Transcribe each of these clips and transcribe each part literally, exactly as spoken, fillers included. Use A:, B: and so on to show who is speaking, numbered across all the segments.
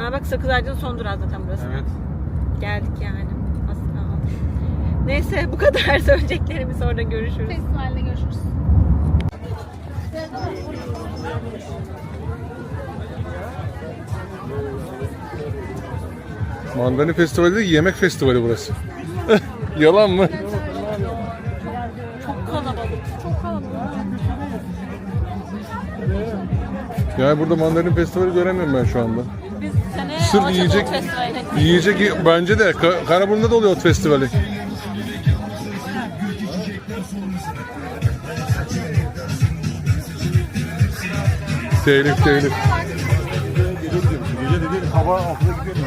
A: Aa bak Sakız Ağacı'nın son durağı zaten burası.
B: Evet.
A: Geldik yani. Aslında. Neyse bu kadar söyleyeceklerimiz orada görüşürüz.
C: Festivalde görüşürüz.
B: Mandalina Festivali değil, yemek festivali burası. Yalan mı?
A: Çok kalabalık.
C: Çok kalabalık.
B: Yani burada mandalina festivali göremiyorum ben şu anda.
A: Biz sene
B: Sırf
A: Alaçatı
B: yiyecek,
A: Ot Festivali'ne gittik.
B: yiyecek bence de. Ka- Karaburun'da da oluyor ot festivali. Telif telif.
D: Gece dedi hava altıda gidiyor.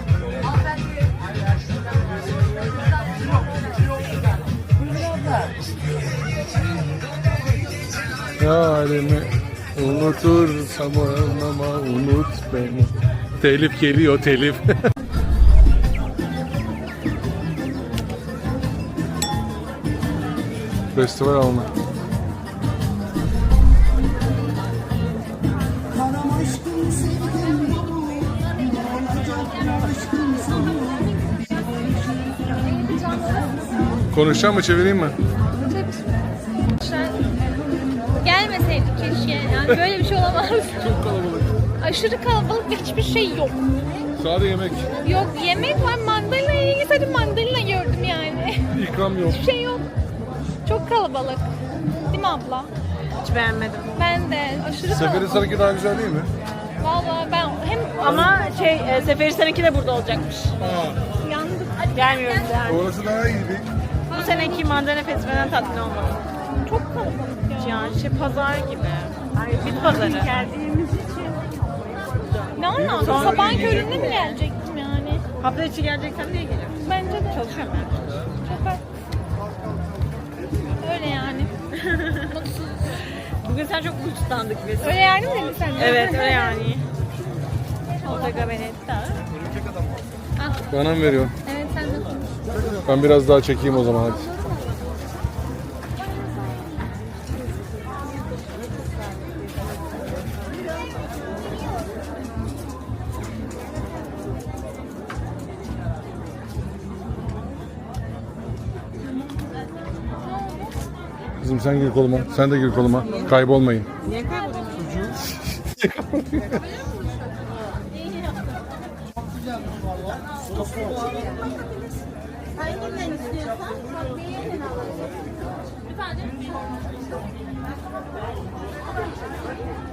B: Halimi unutursam ama unut beni. Telif geliyor telif. Festival alanı. Konuşacağım mı, çevireyim mi?
C: Gelmeseydik keşke. Yani böyle bir şey olamaz.
B: Çok kalabalık.
C: Aşırı kalabalık ve hiçbir şey yok.
B: Sadece yemek.
C: Yok yemek var, mandalina'ya ilgili sadece mandalina gördüm yani.
B: İkram yok.
C: Hiçbir şey yok. Çok kalabalık. Değil mi abla?
A: Hiç beğenmedim.
C: Ben de aşırı
B: Seferi
C: kalabalık.
B: Sarıki daha güzel değil mi?
C: Valla ben hem
A: Ama şey e, Seferihisar'ınki de burada olacakmış.
B: Ha.
C: yandım.
A: Gelmiyoruz yani.
B: Orası daha iyiydi.
A: Bu seneki Mandalina Festivali'nden tatmin olmadım.
C: Çok kalabalık ya.
A: Yani şey pazar gibi. Ay, bit pazarı. Geldiğimiz için.
C: Ne anlamda?
A: Sonra
C: Sabahın
B: yiyecek
C: köründe mi gelecektim yani?
A: Hafta içi geleceksen niye geliyorum?
C: Bence de.
A: Çalışıyorum ben.
C: Çok haklı. Öyle yani. Mutsuz.
A: Bugün sen çok uçtandık biz.
C: Öyle yani mi dedin sen?
A: Evet öyle yani. Olacak Venedik'te.
B: Bana mı veriyor?
C: Evet sen de konuş.
B: Ben biraz daha çekeyim o zaman hadi. Kızım sen gir koluma. Sen de gir koluma. Kaybolmayın.
A: Niye kayboluyorsun?
E: Hanginden istiyorsan bak beğenin alalım. Efendim?